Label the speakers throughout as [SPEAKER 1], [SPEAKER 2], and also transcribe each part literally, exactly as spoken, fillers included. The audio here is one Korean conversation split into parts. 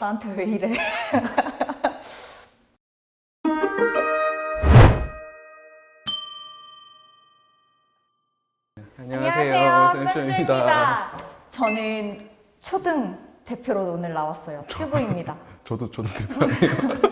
[SPEAKER 1] 나한테 왜 이래?
[SPEAKER 2] 안녕하세요,
[SPEAKER 1] 쌤수입니다. 저는 초등 대표로 오늘 나왔어요. 튜브입니다.
[SPEAKER 2] 저도 저도 대표예요.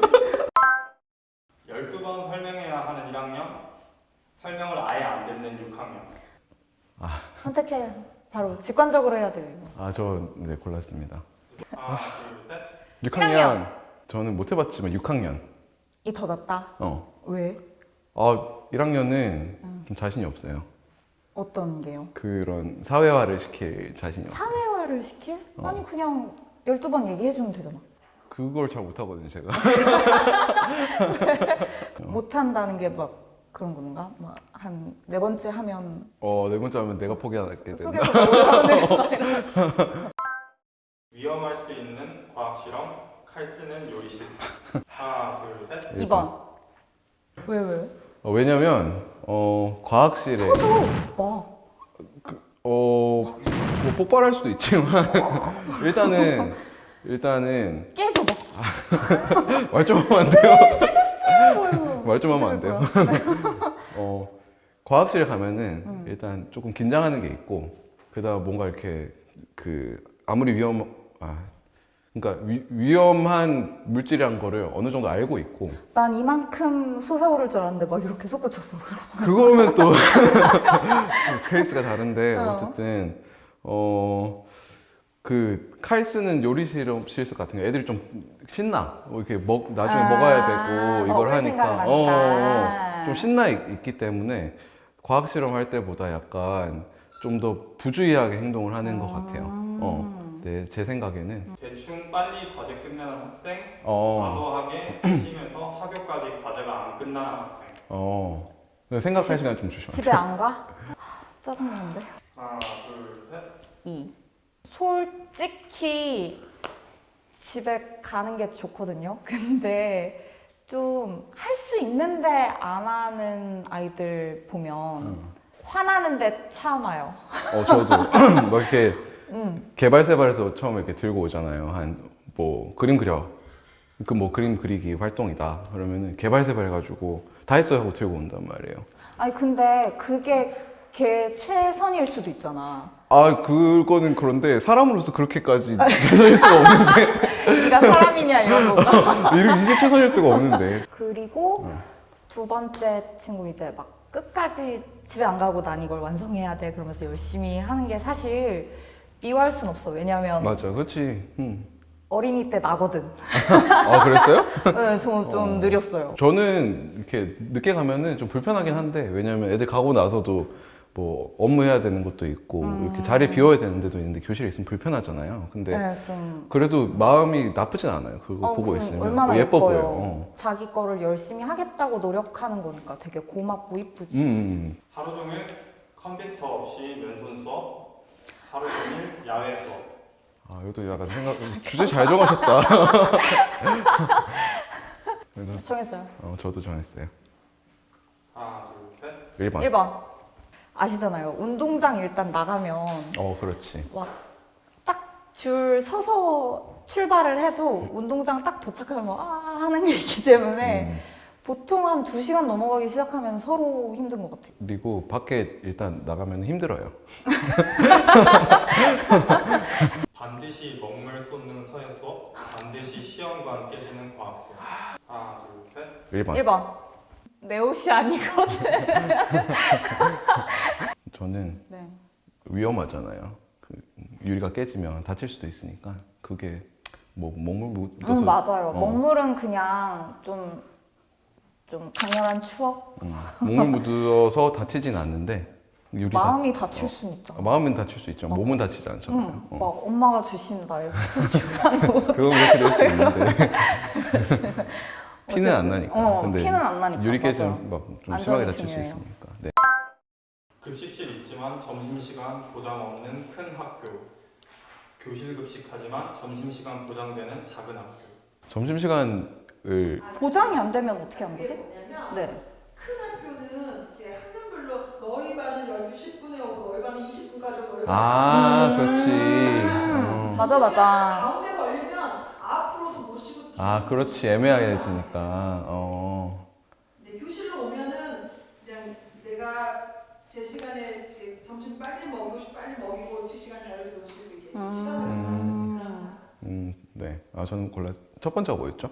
[SPEAKER 3] 열두 번 설명해야 하는 일 학년, 설명을 아예 안 듣는 육 학년.
[SPEAKER 2] 아,
[SPEAKER 1] 선택해. 바로 직관적으로 해야 돼요. 이거.
[SPEAKER 2] 아, 저 네 골랐습니다.
[SPEAKER 3] 하나, 둘, 셋.
[SPEAKER 2] 육 학년. 저는 못 해봤지만 육 학년.
[SPEAKER 1] 이 더 낫다.
[SPEAKER 2] 어.
[SPEAKER 1] 왜?
[SPEAKER 2] 아, 일 학년은
[SPEAKER 1] 음.
[SPEAKER 2] 좀 자신이 없어요.
[SPEAKER 1] 어떤 게요?
[SPEAKER 2] 그런 사회화를 시킬 자신이 없어요.
[SPEAKER 1] 사회화를 시킬?
[SPEAKER 2] 어.
[SPEAKER 1] 아니 그냥 열두 번 얘기해주면 되잖아.
[SPEAKER 2] 그걸 잘 못하거든요, 제가.
[SPEAKER 1] 못한다는 게 막 그런 건가? 막 한 네 번째 하면
[SPEAKER 2] 어, 네 번째 하면 내가 포기하게 된다.
[SPEAKER 1] 속에서 올라오는 막 이러면서.
[SPEAKER 3] 위험할 수 있는 과학 실험, 칼 쓰는 요리 실습. 하나, 둘, 셋.
[SPEAKER 1] 이 번. 왜 왜?
[SPEAKER 2] 어, 왜냐면 어, 과학실에
[SPEAKER 1] 터져. 막.
[SPEAKER 2] 어, 뭐 폭발할 수도 있지만 일단은 일단은
[SPEAKER 1] 깨져 막.
[SPEAKER 2] 말 좀 하면 안 돼요.
[SPEAKER 1] 깨졌어.
[SPEAKER 2] 말 좀 하면 안 돼요. 어, 과학실 가면은
[SPEAKER 1] 음.
[SPEAKER 2] 일단 조금 긴장하는 게 있고, 그다음 뭔가 이렇게 그 아무리 위험 아 그러니까 위, 위험한 물질이란 거를 어느 정도 알고 있고,
[SPEAKER 1] 난 이만큼 솟아오를 줄 알았는데 막 이렇게 솟구쳤어.
[SPEAKER 2] 그거면 또 케이스가 다른데
[SPEAKER 1] 어.
[SPEAKER 2] 어쨌든 어. 그 칼 쓰는 요리 실험 실습 같은 거 애들이 좀 신나. 뭐 이렇게 먹 나중에
[SPEAKER 1] 아,
[SPEAKER 2] 먹어야 되고 이걸
[SPEAKER 1] 먹을
[SPEAKER 2] 하니까
[SPEAKER 1] 생각을
[SPEAKER 2] 어, 어,
[SPEAKER 1] 하니까.
[SPEAKER 2] 어. 좀 신나 있, 있기 때문에 과학 실험 할 때보다 약간 좀 더 부주의하게 행동을 하는 것 같아요. 어, 네, 제 생각에는
[SPEAKER 3] 대충 빨리 과제 끝내는 학생,
[SPEAKER 2] 어,
[SPEAKER 3] 과도하게 쓰시면서 학교까지 과제가 안 끝나는 학생.
[SPEAKER 2] 어, 생각할 시간 좀 주시면.
[SPEAKER 1] 집에 안 가? 하, 짜증나는데.
[SPEAKER 3] 하나, 둘, 셋.
[SPEAKER 1] 이. 솔직히 집에 가는 게 좋거든요. 근데 좀 할 수 있는데 안 하는 아이들 보면
[SPEAKER 2] 음.
[SPEAKER 1] 화나는데 참아요.
[SPEAKER 2] 어, 저도 뭐 이렇게
[SPEAKER 1] 음.
[SPEAKER 2] 개발세발에서 처음에 이렇게 들고 오잖아요. 한 뭐 그림 그려. 그 뭐 그림 그리기 활동이다. 그러면은 개발세발 해가지고 다 했어요 하고 들고 온단 말이에요.
[SPEAKER 1] 아니 근데 그게 걔 최선일 수도 있잖아.
[SPEAKER 2] 아, 그거는 그런데 사람으로서 그렇게까지 최선일 수가 없는데.
[SPEAKER 1] 네가 사람이냐 이런 거가.
[SPEAKER 2] 이게 이게 최선일 수가 없는데.
[SPEAKER 1] 그리고
[SPEAKER 2] 어.
[SPEAKER 1] 두 번째 친구 이제 막 끝까지 집에 안 가고 난 이걸 완성해야 돼 그러면서 열심히 하는 게 사실 미워할 순 없어. 왜냐면
[SPEAKER 2] 맞아, 그렇지. 음.
[SPEAKER 1] 어린이 때 나거든.
[SPEAKER 2] 아, 그랬어요?
[SPEAKER 1] 네, 좀, 좀
[SPEAKER 2] 어.
[SPEAKER 1] 느렸어요.
[SPEAKER 2] 저는 이렇게 늦게 가면은 좀 불편하긴 한데, 왜냐면 애들 가고 나서도 뭐 업무 해야 되는 것도 있고,
[SPEAKER 1] 음.
[SPEAKER 2] 이렇게 자리 비워야 되는 데도 있는데 교실에 있으면 불편하잖아요. 근데
[SPEAKER 1] 네, 좀
[SPEAKER 2] 그래도 마음이 나쁘진 않아요. 그거
[SPEAKER 1] 어,
[SPEAKER 2] 보고
[SPEAKER 1] 그럼
[SPEAKER 2] 있으면.
[SPEAKER 1] 얼마나
[SPEAKER 2] 어, 예뻐
[SPEAKER 1] 예뻐요.
[SPEAKER 2] 보여요. 어.
[SPEAKER 1] 자기 거를 열심히 하겠다고 노력하는 거니까 되게 고맙고
[SPEAKER 2] 음,
[SPEAKER 1] 이쁘지.
[SPEAKER 2] 음.
[SPEAKER 3] 하루 종일 컴퓨터 없이 면손 수업, 하루 종일 야외 수업.
[SPEAKER 2] 아, 이것도 약간 생각, 주제 잘 정하셨다. 그래서
[SPEAKER 1] 정했어요.
[SPEAKER 2] 어, 저도 정했어요.
[SPEAKER 3] 하나, 둘, 셋.
[SPEAKER 2] 일 번.
[SPEAKER 1] 일 번. 아시잖아요. 운동장 일단 나가면
[SPEAKER 2] 어, 그렇지.
[SPEAKER 1] 딱 줄 서서 출발을 해도 운동장 딱 도착하면 아 하는 게 있기 때문에
[SPEAKER 2] 음.
[SPEAKER 1] 보통 한 두 시간 넘어가기 시작하면 서로 힘든 것 같아요.
[SPEAKER 2] 그리고 밖에 일단 나가면 힘들어요.
[SPEAKER 3] 반드시 먹물 쏟는 서예 수업, 반드시 시험과 함께 깨지는 과학 수업. 하나, 둘, 셋.
[SPEAKER 2] 일 번.
[SPEAKER 1] 일 번. 내 옷이 아니거든.
[SPEAKER 2] 저는
[SPEAKER 1] 네.
[SPEAKER 2] 위험하잖아요. 그 유리가 깨지면 다칠 수도 있으니까 그게 뭐 먹물 묻어서
[SPEAKER 1] 음, 맞아요.
[SPEAKER 2] 어.
[SPEAKER 1] 먹물은 그냥 좀, 좀 강렬한 추억?
[SPEAKER 2] 음, 먹물 묻어서 다치진 않는데 유리
[SPEAKER 1] 마음이 다칠
[SPEAKER 2] 어.
[SPEAKER 1] 수는 있잖아.
[SPEAKER 2] 마음은 다칠 수 있죠.
[SPEAKER 1] 어.
[SPEAKER 2] 몸은 다치지 않잖아요.
[SPEAKER 1] 응,
[SPEAKER 2] 어.
[SPEAKER 1] 막 엄마가 주신다 이렇게 소중한 거.
[SPEAKER 2] 그건 그렇게 될 수 있는데 피는 안 나니까.
[SPEAKER 1] 어,
[SPEAKER 2] 근데
[SPEAKER 1] 피는 안 나니까.
[SPEAKER 2] 유리
[SPEAKER 1] 맞아.
[SPEAKER 2] 깨지면 막좀
[SPEAKER 1] 안전이
[SPEAKER 2] 심하게 다칠 수
[SPEAKER 1] 중요해요.
[SPEAKER 2] 있으니까. 네.
[SPEAKER 3] 급식실 있지만 점심시간 보장 없는 큰 학교. 교실 급식하지만 점심시간 보장되는 작은 학교.
[SPEAKER 2] 점심시간을
[SPEAKER 1] 보장이 안 되면 어떻게 한
[SPEAKER 4] 이게
[SPEAKER 1] 거지?
[SPEAKER 4] 뭐냐면
[SPEAKER 1] 네.
[SPEAKER 4] 큰 학교는 이렇게 학년별로 너희 반은 열두 시 분에 오고 너희 반은 이십 분까지 오고 너희 반은
[SPEAKER 2] 아,
[SPEAKER 1] 음.
[SPEAKER 2] 그렇지.
[SPEAKER 1] 음,
[SPEAKER 2] 어.
[SPEAKER 1] 맞아, 맞아.
[SPEAKER 4] 가운데 걸리면 앞으로
[SPEAKER 2] 아, 그렇지. 애매해지니까. 어.
[SPEAKER 4] 네, 교실로 오면은 그냥 내가 제 시간에 이제 점심 빨리 먹이고 싶- 빨리 먹이고 두 시간 자유를 놓을 수 있게
[SPEAKER 1] 음.
[SPEAKER 4] 시간을 갖는 그런 사람.
[SPEAKER 2] 음, 네. 아, 저는 골라. 첫 번째가 뭐였죠?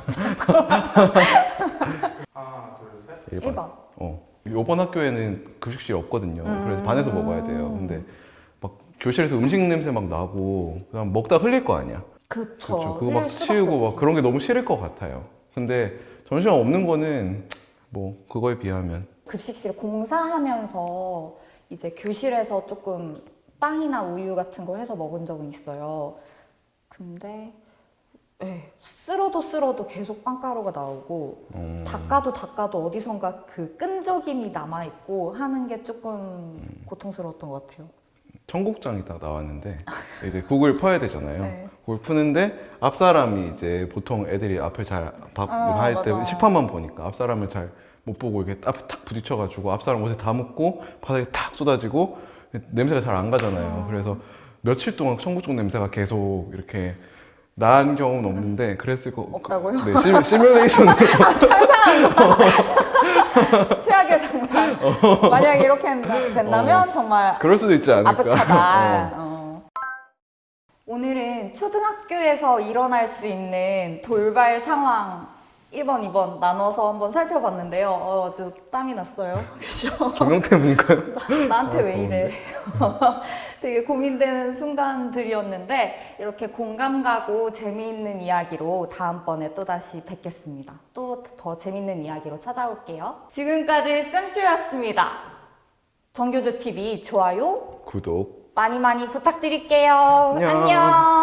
[SPEAKER 3] 하나, 둘, 셋.
[SPEAKER 1] 일 번.
[SPEAKER 2] 어. 요번 학교에는 급식실이 없거든요.
[SPEAKER 1] 음.
[SPEAKER 2] 그래서 반에서 먹어야 돼요. 근데 막 교실에서 음식 냄새 막 나고 그냥 먹다 흘릴 거 아니야.
[SPEAKER 1] 그쵸.
[SPEAKER 2] 그렇죠. 그거 막
[SPEAKER 1] 흘릴 수밖에
[SPEAKER 2] 치우고 막
[SPEAKER 1] 없지.
[SPEAKER 2] 그런 게 너무 싫을 것 같아요. 근데 점심시간 없는 거는 뭐 그거에 비하면
[SPEAKER 1] 급식실 공사하면서 이제 교실에서 조금 빵이나 우유 같은 거 해서 먹은 적은 있어요. 근데 예, 쓸어도 쓸어도 계속 빵가루가 나오고
[SPEAKER 2] 음,
[SPEAKER 1] 닦아도 닦아도 어디선가 그 끈적임이 남아있고 하는 게 조금
[SPEAKER 2] 음.
[SPEAKER 1] 고통스러웠던 것 같아요.
[SPEAKER 2] 청국장이 딱 나왔는데 이제 국을 퍼야 되잖아요.
[SPEAKER 1] 네.
[SPEAKER 2] 국을 푸는데 앞 사람이 이제 보통 애들이 앞을 잘 밥
[SPEAKER 1] 어,
[SPEAKER 2] 할 때
[SPEAKER 1] 맞아.
[SPEAKER 2] 식판만 보니까 앞 사람을 잘 못 보고 이렇게 앞에 탁 부딪혀가지고 앞 사람 옷에 다 묻고 바닥에 탁 쏟아지고 냄새가 잘 안 가잖아요.
[SPEAKER 1] 어.
[SPEAKER 2] 그래서 며칠 동안 청국장 냄새가 계속 이렇게 난 경우는 없는데 그랬을 거
[SPEAKER 1] 없다고요?
[SPEAKER 2] 네, 시, 시뮬레이션으로
[SPEAKER 1] 상상한 거. 최악의 상상. 만약에 이렇게 한다- 된다면 정말
[SPEAKER 2] 그럴 수도 있지 않을까.
[SPEAKER 1] 아득하다.
[SPEAKER 2] 어.
[SPEAKER 1] 어. 오늘은 초등학교에서 일어날 수 있는 돌발 상황 일 번, 이 번 나눠서 한번 살펴봤는데요. 어, 아주 땀이 났어요. 그죠?
[SPEAKER 2] 조명 때문인가요?
[SPEAKER 1] 나한테
[SPEAKER 2] 아,
[SPEAKER 1] 왜 이래? 되게 고민되는 순간들이었는데 이렇게 공감 가고 재미있는 이야기로 다음번에 또다시 뵙겠습니다. 또 더 재미있는 이야기로 찾아올게요. 지금까지 쌤쇼였습니다. 정교조 티비 좋아요
[SPEAKER 2] 구독.
[SPEAKER 1] 많이 많이 부탁드릴게요.
[SPEAKER 2] 안녕.
[SPEAKER 1] 안녕.